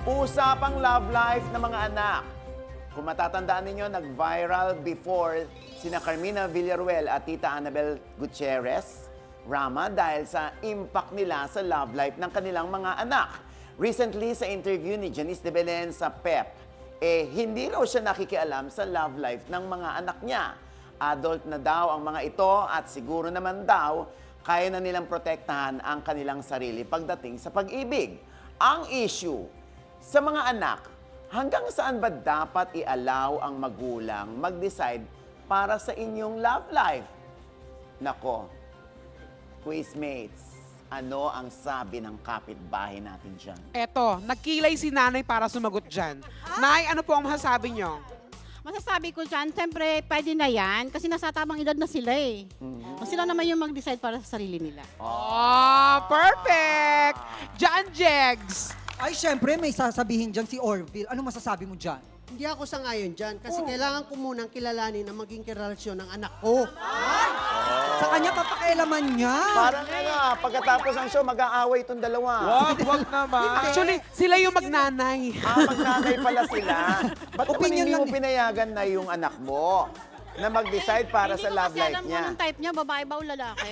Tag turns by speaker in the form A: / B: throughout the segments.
A: Usapang love life ng mga anak. Kung matatandaan ninyo, nag-viral before sina Carmina Villaruel at Tita Annabel Gutierrez Rama dahil sa impact nila sa love life ng kanilang mga anak. Recently, sa interview ni Janice de Belen sa PEP, hindi raw siya nakikialam sa love life ng mga anak niya. Adult na daw ang mga ito at siguro naman daw kaya na nilang protektahan ang kanilang sarili pagdating sa pag-ibig. Ang issue, sa mga anak, hanggang saan ba dapat i-allow ang magulang mag-decide para sa inyong love life? Nako, quizmates, ano ang sabi ng kapitbahay natin dyan?
B: Eto, nagkilay si nanay para sumagot dyan. Nay, ano po ang masasabi nyo?
C: Masasabi ko dyan, siyempre, pwede na yan kasi nasa tamang edad na sila eh. Sila naman yung mag-decide para sa sarili nila.
B: Oh, perfect! John Jegs!
D: Ay, syempre, may sasabihin dyan si Orville. Ano masasabi mo dyan?
E: Hindi ako sang-ayon dyan kasi kailangan ko munang kilalanin ang maging relasyon ng anak ko.
D: Sa kanya, papakialaman niya.
A: Parang pagkatapos ng show, mag-aaway itong dalawa.
F: Wag naman.
B: Actually, sila yung magnanay.
A: Magnanay pala sila. Ba't naman
D: Opinion
A: hindi
D: lang
A: mo
D: eh.
A: pinayagan na yung anak mo na mag-decide para sa love
C: Hindi ko kasi
A: life
C: alam kung
A: niya?
C: anong type niya, babae ba o lalaki?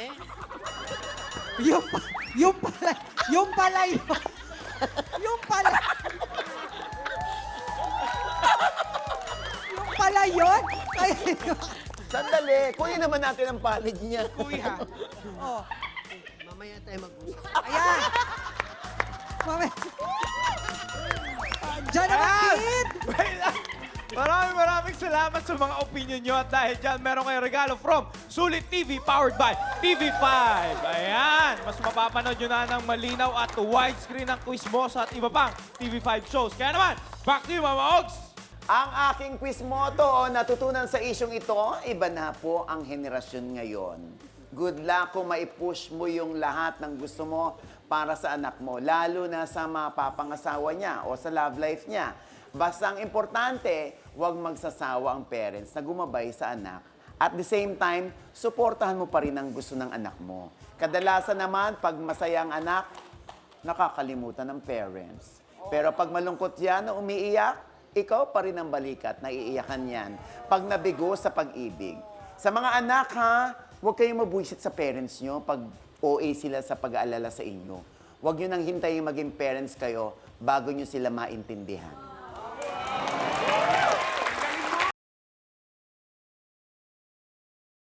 D: Yung pala yun. Yung pala yun. Ay,
A: Sandali, kunin naman natin ang palid niya.
B: Kuya.
D: oh,
E: Mamaya tayo mag-usap.
D: ayan. Mami. Diyan naman, kid.
F: Maraming salamat sa mga opinion nyo at dahil dyan meron kayong regalo from Sulit TV powered by TV5. Ayan, mas mapapanood nyo na ng malinaw at widescreen ng Quizmosa at iba pang TV5 shows. Kaya naman, back to you, Mama Ogs!
A: Ang aking quiz motto, natutunan sa isyong ito, iba na po ang henerasyon ngayon. Good luck kung maipush mo yung lahat ng gusto mo para sa anak mo, lalo na sa mapapangasawa niya o sa love life niya. Basta ang importante, huwag magsasawa ang parents na gumabay sa anak. At the same time, suportahan mo pa rin ang gusto ng anak mo. Kadalasan naman, pag masaya ang anak, nakakalimutan ng parents. Pero pag malungkot yan o umiiyak, ikaw pa rin ang balikat na iiyakan yan pag nabigo sa pag-ibig. Sa mga anak ha, huwag kayong mabuisit sa parents nyo pag OA sila sa pag-aalala sa inyo. Huwag nyo nang hintayin maging parents kayo bago nyo sila maintindihan.